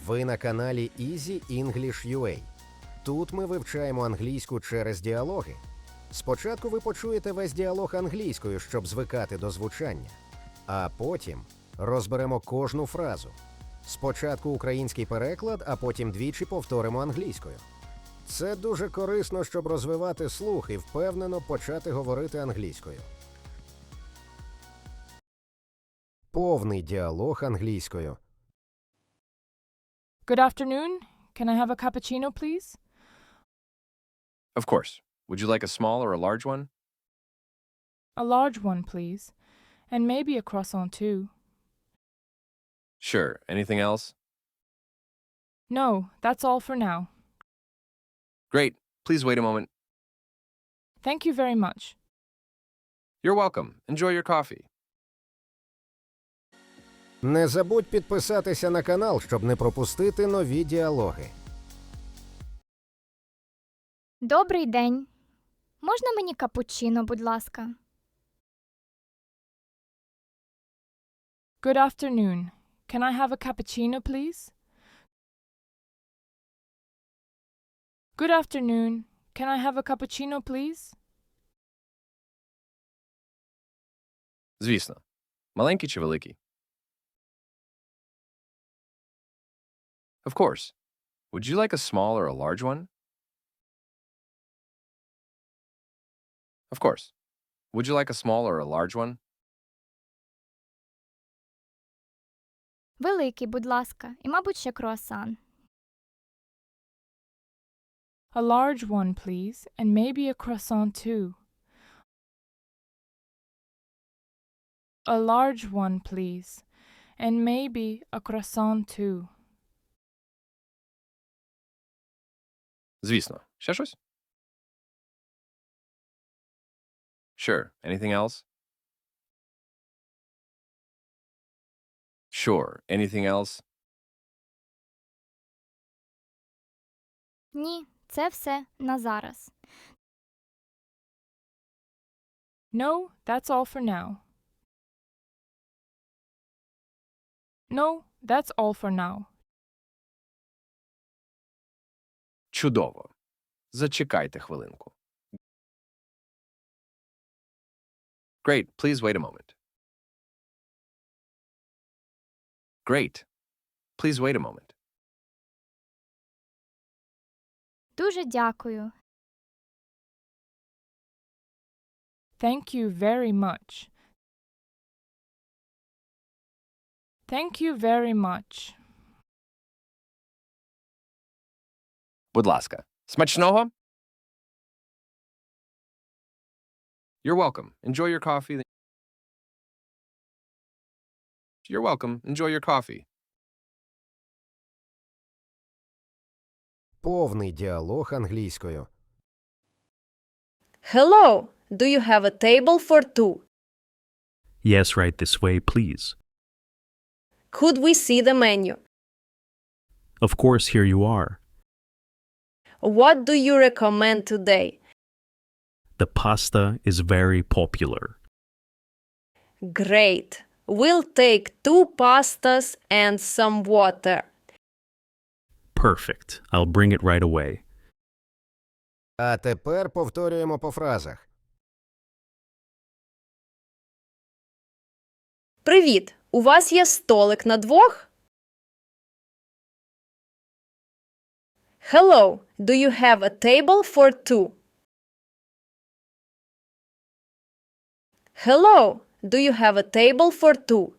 Ви на каналі Easy English UA. Тут ми вивчаємо англійську через діалоги. Спочатку ви почуєте весь діалог англійською, щоб звикати до звучання. А потім розберемо кожну фразу. Спочатку український переклад, а потім двічі повторимо англійською. Це дуже корисно, щоб розвивати слух і впевнено почати говорити англійською. Повний діалог англійською. Good afternoon. Can I have a cappuccino, please? Of course. Would you like a small or a large one? A large one, please. And maybe a croissant, too. Sure. Anything else? No, that's all for now. Great. Please wait a moment. Thank you very much. You're welcome. Enjoy your coffee. Не забудь підписатися на канал, щоб не пропустити нові діалоги. Добрий день. Можна мені капучино, будь ласка? Good afternoon. Can I have a cappuccino, please? Good afternoon. Can I have a cappuccino, please? Звісно. Маленький чи великий? Of course. Would you like a small or a large one? Of course. Would you like a small or a large one? Великий, будь ласка. І, мабуть, ще круасан. A large one, please. And maybe a croissant, too. A large one, please. And maybe a croissant, too. Звісно. Ще щось? Sure. Anything else? Sure. Anything else? Ні, це все на зараз. No, that's all for now. No, that's all for now. Чудово. Зачекайте хвилинку. Great. Please wait a moment. Great. Please wait a moment. Дуже дякую. Thank you very much. Thank you very much. Будь ласка. Смачного? You're welcome. Enjoy your coffee. You're welcome. Enjoy your coffee. Повний діалог англійською. Hello, do you have a table for two? Yes, right this way, please. Could we see the menu? Of course, here you are. What do you recommend today? The pasta is very popular. Great. We'll take two pastas and some water. Perfect. I'll bring it right away. А тепер повторюємо по фразах. Привіт. У вас є столик на двох? Hello, do you have a table for two? Hello, do you have a table for two?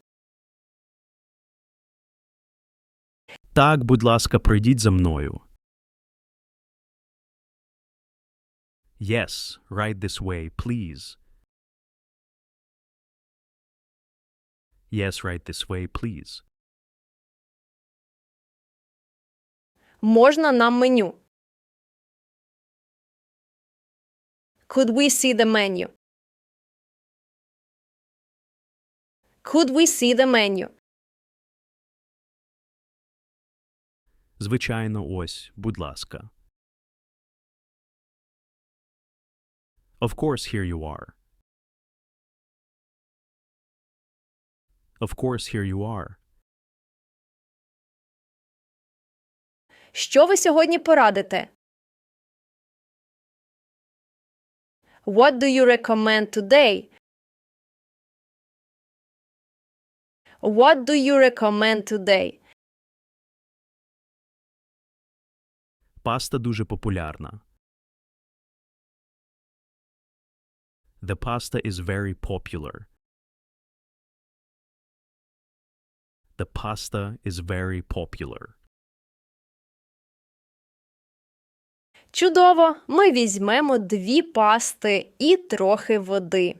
Так, будь ласка, пройдіть за мною. Yes, right this way, please. Yes, right this way, please. Можна нам меню? Could we see the menu? Could we see the menu? Звичайно, ось, будь ласка. Of course, here you are. Of course, here you are. Що ви сьогодні порадите? What do you recommend today? What do you recommend today? Паста дуже популярна. The pasta is very popular. The pasta is very popular. Чудово! Ми візьмемо 2 пасти і трохи води.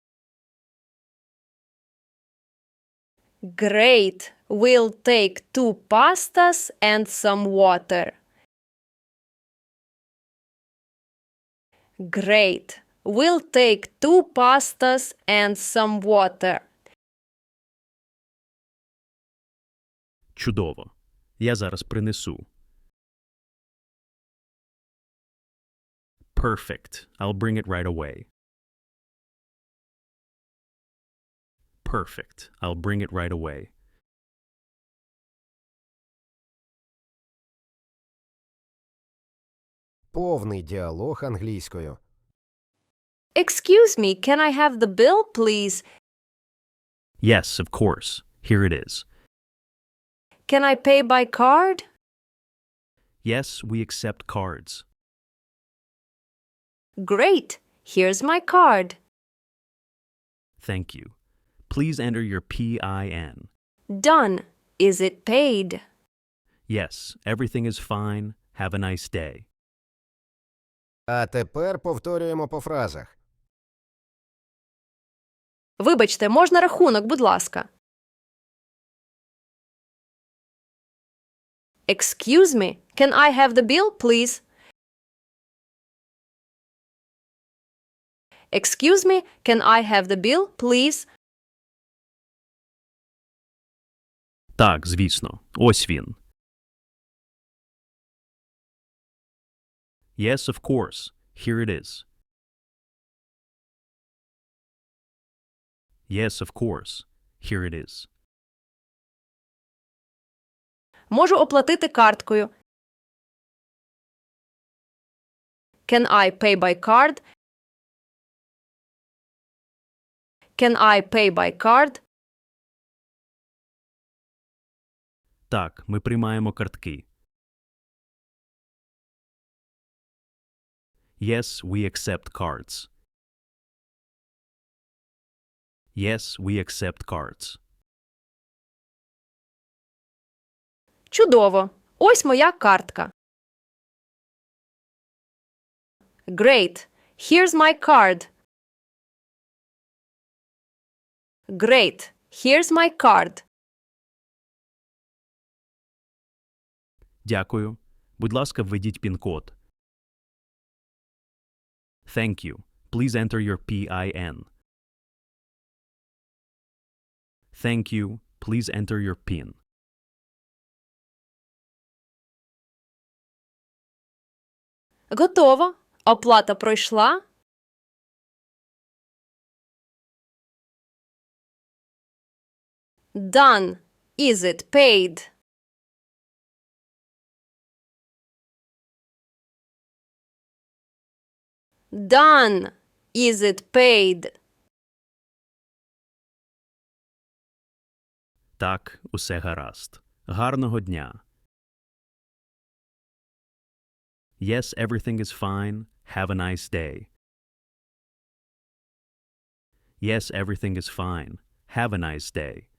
Great! We'll take 2 pastas and some water. Great! We'll take 2 pastas and some water. Чудово. Я зараз принесу. Perfect. I'll bring it right away. Perfect. I'll bring it right away. Повний діалог англійською. Excuse me, can I have the bill, please? Yes, of course. Here it is. Can I pay by card? Yes, we accept cards. Great! Here's my card. Thank you. Please enter your PIN. Done. Is it paid? Yes, everything is fine. Have a nice day. А тепер повторюємо по фразах. Вибачте, можна рахунок, будь ласка? Excuse me, can I have the bill, please? Excuse me, can I have the bill, please? Так, звісно. Ось він. Yes, of course. Here it is. Yes, of course. Here it is. Можу оплатити карткою. Can I pay by card? Can I pay by card? Так, ми приймаємо картки. Yes, we accept cards. Yes, we accept cards. Чудово! Ось моя картка. Great! Here's my card. Great! Here's my card. Дякую. Будь ласка, введіть пін-код. Thank you. Please enter your PIN. Thank you. Please enter your PIN. Готово. Оплата пройшла. Done. Is it paid? Done. Is it paid? Так, усе гаразд. Гарного дня. Yes, everything is fine. Have a nice day. Yes, everything is fine. Have a nice day.